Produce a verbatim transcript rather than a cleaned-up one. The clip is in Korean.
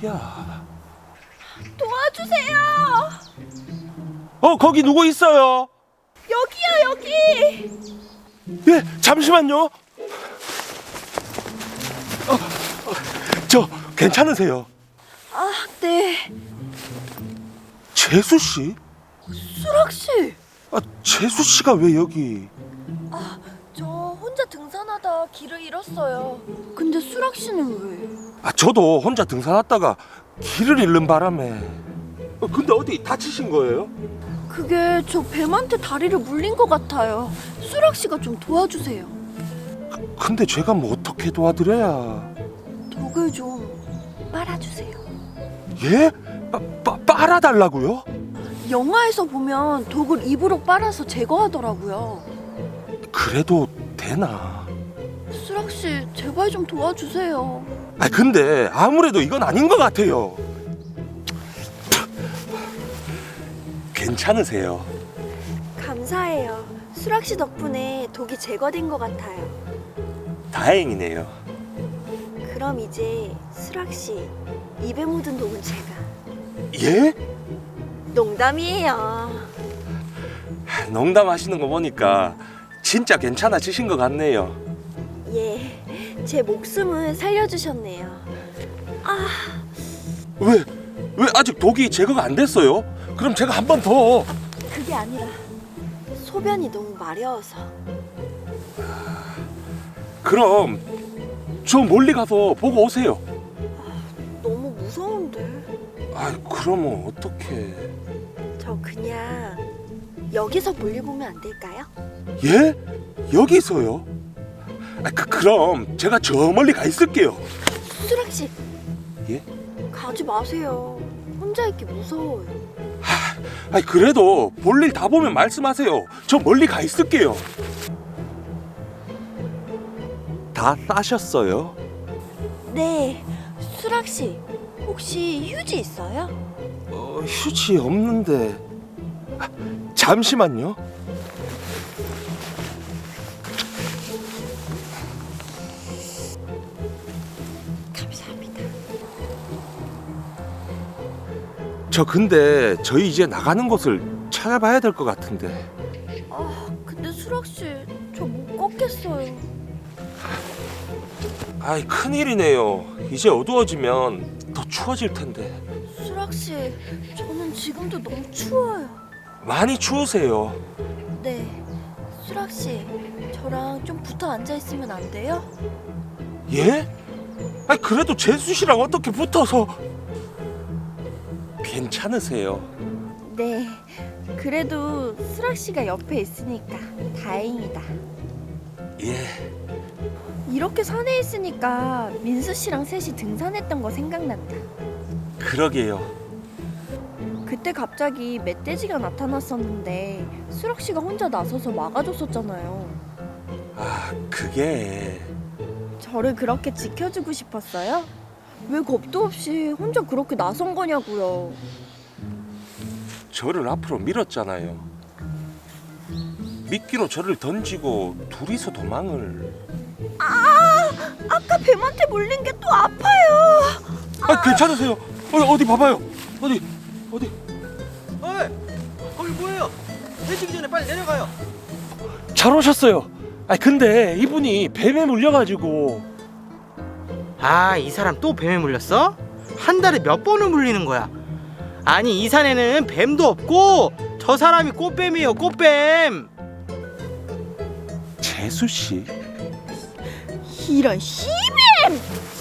어디야? 도와주세요. 어, 거기 누구 있어요? 여기요, 여기. 예, 잠시만요. 어, 어, 저 괜찮으세요? 아, 네. 재수 씨? 수락 씨. 아, 재수 씨가 왜 여기? 아, 저 혼자 등산하다 길을 잃었어요. 근데 수락 씨는 왜? 아, 저도 혼자 등산하다가 길을 잃는 바람에. 어, 근데 어디 다치신 거예요? 그게 저 뱀한테 다리를 물린 것 같아요. 수락 씨가 좀 도와주세요. 근데 제가 뭐 어떻게 도와드려야? 독을 좀 빨아주세요. 예? 빠, 빠, 빨아달라고요? 영화에서 보면 독을 입으로 빨아서 제거하더라고요. 그래도 되나? 수락 씨, 제발 좀 도와주세요. 아, 근데 아무래도 이건 아닌 것 같아요. 괜찮으세요? 감사해요. 수락 씨 덕분에 독이 제거된 것 같아요. 다행이네요. 그럼 이제 수락 씨 입에 묻은 독은 제가. 예? 농담이에요. 농담하시는 거 보니까 진짜 괜찮아지신 것 같네요. 예, 제 목숨을 살려주셨네요. 아, 왜? 왜 아직 독이 제거가 안 됐어요? 그럼 제가 한 번 더. 그게 아니라 소변이 너무 마려워서. 그럼 저 멀리 가서 보고 오세요. 너무 무서운데. 아, 그러면 어떡해? 저 그냥 여기서 볼일 보면 안 될까요? 예? 여기서요? 아, 그, 그럼 제가 저 멀리 가 있을게요. 수락 씨. 예? 가지 마세요. 혼자 있기 무서워요. 아, 그래도 볼일 다 보면 말씀하세요. 저 멀리 가 있을게요. 다 싸셨어요? 네, 수락 씨. 혹시 휴지 있어요? 어, 휴지 없는데. 아, 잠시만요. 감사합니다. 저 근데 저희 이제 나가는 곳을 찾아봐야 될 것 같은데. 아, 근데 수락 씨, 저 못 걷겠어요. 아이, 큰일이네요. 이제 어두워지면 더 추워질 텐데. 수락 씨, 저는 지금도 너무 추워요. 많이 추우세요. 네, 수락 씨, 저랑 좀 붙어 앉아 있으면 안 돼요? 예? 아니, 그래도 재수 씨랑 어떻게 붙어서? 괜찮으세요? 네, 그래도 수락 씨가 옆에 있으니까 다행이다. 예. 이렇게 산에 있으니까 민수 씨랑 셋이 등산했던 거 생각난다. 그러게요. 그때 갑자기 멧돼지가 나타났었는데 수락 씨가 혼자 나서서 막아줬었잖아요. 아, 그게... 저를 그렇게 지켜주고 싶었어요? 왜 겁도 없이 혼자 그렇게 나선 거냐고요. 저를 앞으로 밀었잖아요. 미끼로 저를 던지고 둘이서 도망을... 아, 아까 뱀한테 물린 게 또 아파요. 아, 괜찮으세요? 어, 어디 봐봐요. 어디, 어디. 어이! 거기 뭐예요? 해지기 전에 빨리 내려가요. 잘 오셨어요. 아, 근데 이분이 뱀에 물려가지고... 아, 이 사람 또 뱀에 물렸어? 한 달에 몇 번을 물리는 거야? 아니, 이 산에는 뱀도 없고 저 사람이 꽃뱀이에요, 꽃뱀. 재수 씨? 이런 씨뱀!